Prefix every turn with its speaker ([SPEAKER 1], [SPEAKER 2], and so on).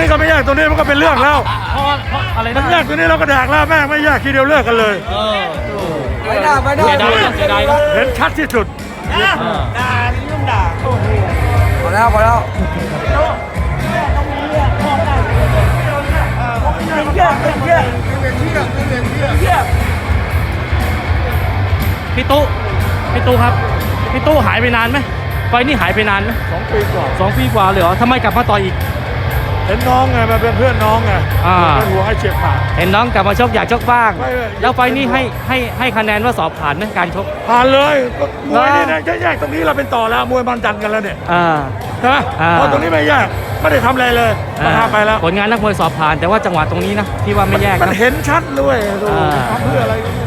[SPEAKER 1] นี้ก็ไม่แยกตรงนี้มันก็เป็นเรื่องแล้ว
[SPEAKER 2] เพราะอะไร
[SPEAKER 1] มั
[SPEAKER 2] นะ
[SPEAKER 1] นแยกตรงนี้เราก็แดกแล้วแม่งไม่แยกทีเดียวเลิกกันเลย
[SPEAKER 3] ไม่ได้ไม่ได้
[SPEAKER 2] เสียดายนะเสียดายนะ
[SPEAKER 1] เห็นชัดที่สุด
[SPEAKER 3] ด่ายุ่งด่าพอแล้วพอแล้ว
[SPEAKER 2] พี่ตู้ครับพี่ตู้หายไปนานไหมไฟนี่หายไปนานไหม
[SPEAKER 1] 2 ปีกว่า
[SPEAKER 2] 2 ปีกว่าเลยเหรอทำไมกลับมาต่อยอีก
[SPEAKER 1] เห็นน้องไงมาเป็นเพื่อนน้องไง
[SPEAKER 2] อ่า
[SPEAKER 1] เป็นหัวให้เฉียบขาด
[SPEAKER 2] เห็นน้องกลับมาชกอยากชกบ้าง
[SPEAKER 1] ไม่
[SPEAKER 2] แล้วไฟนี่ให้คะแนนว่าสอบผ่านไหมการชก
[SPEAKER 1] ผ่านเลยก็มวยนี่นะแยกตรงนี้เราเป็นต่อแล้วมวยมันดันกันแล้วเนี่ย
[SPEAKER 2] อ่า
[SPEAKER 1] ใช่ไหม
[SPEAKER 2] อ่า
[SPEAKER 1] เพราะตรงนี้ไม่แยกไม่ได้ทำอะไรเลยมาทำไปแล้ว
[SPEAKER 2] ผลงานนักมวยสอบผ่านแต่ว่าจังหวะตรงนี้นะที่ว่าไม่แยก
[SPEAKER 1] มัน
[SPEAKER 2] นะ
[SPEAKER 1] เห็นชัดด้วยดู
[SPEAKER 2] อ่า
[SPEAKER 1] ทำเพื่ออะไร